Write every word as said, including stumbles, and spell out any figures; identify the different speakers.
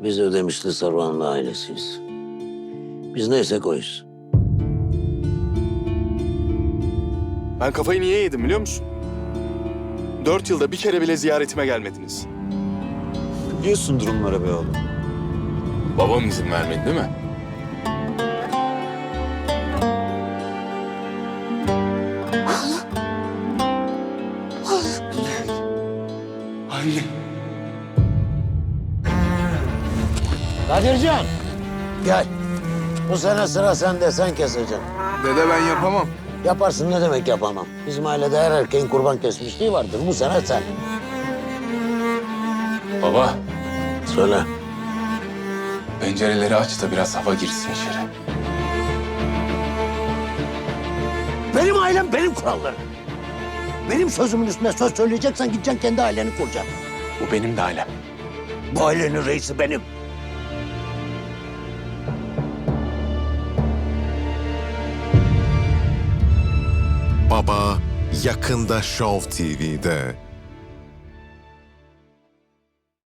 Speaker 1: Biz Ödemişli Saruhanlı ailesiyiz. Biz neyse koyuz.
Speaker 2: Ben kafayı niye yedim biliyor musun? Dört yılda bir kere bile ziyaretime gelmediniz.
Speaker 3: Biliyorsun durumları be oğlum.
Speaker 4: Babam izin vermedi değil mi?
Speaker 2: Anne.
Speaker 1: Kadircan! Gel. Bu sene sıra sende, sen keseceksin.
Speaker 2: Dede ben yapamam.
Speaker 1: Yaparsın, ne demek yapamam. Bizim ailede her erkeğin kurban kesmişliği vardır. Bu sene sen.
Speaker 4: Baba,
Speaker 1: Söyle.
Speaker 4: pencereleri aç da biraz hava girsin içeri.
Speaker 1: Benim ailem, benim kurallarım. Benim sözümün üstüne söz söyleyeceksen gideceksin kendi aileni kuracaksın.
Speaker 4: Bu benim de ailem.
Speaker 1: Bu ailenin reisi benim.
Speaker 5: Baba yakında Show T V'de.